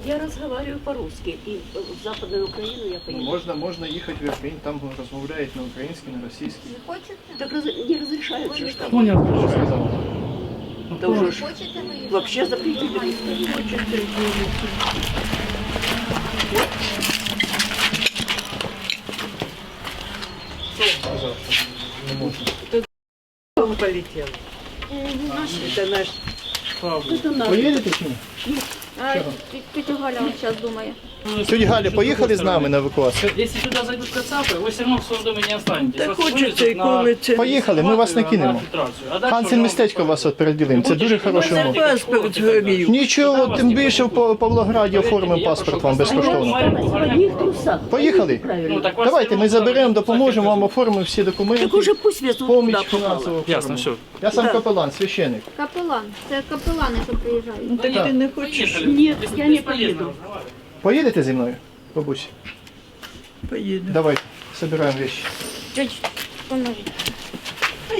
Я разговариваю по-русски, и в Западную Украину я поеду. Можна їхати в Ірпінь, там розмовляють на українській, на російській. Не хочете? Так не разрешают же что. Понял. Да уже ж Хочете виїжджати? вообще запретили. Он полетел. Это наш. Это наш. Поїдете чи ні? Тетя Галя зараз думає. Тетя Галя, поїхали з нами на евакуацію? Если сюда зайдут кацапы, вы все равно в своем доме не останетесь. Так Вас хочеться і вывезут на- коли це. Поїхали, ми вас не на кинемо. фильтрацию. А дальше Хансен уже містечко вас от переділимо, це дуже хороший умов. Паспорт згорів. Нічого, тим більше в Павлограді оформимо паспорт вам безкоштовно. В одних трусах. Поїхали. Правильно. Ну, так вас Давайте ми все равно заберемо, будут допоможемо вам, всякие оформимо всі документи. Так уже пусть везут Поміч туда попало. фінансово. Ясно, все. Я сам Да. капелан, священик. Капелан. Це капелани, що приїжджають. Так ты не хочешь? Поехали. Нет, Бес- я не бесполезно поеду. разговаривать. Поїдете зі мною, бабусь? Поеду. Давай, собираємо речі. Чуть, поможіть.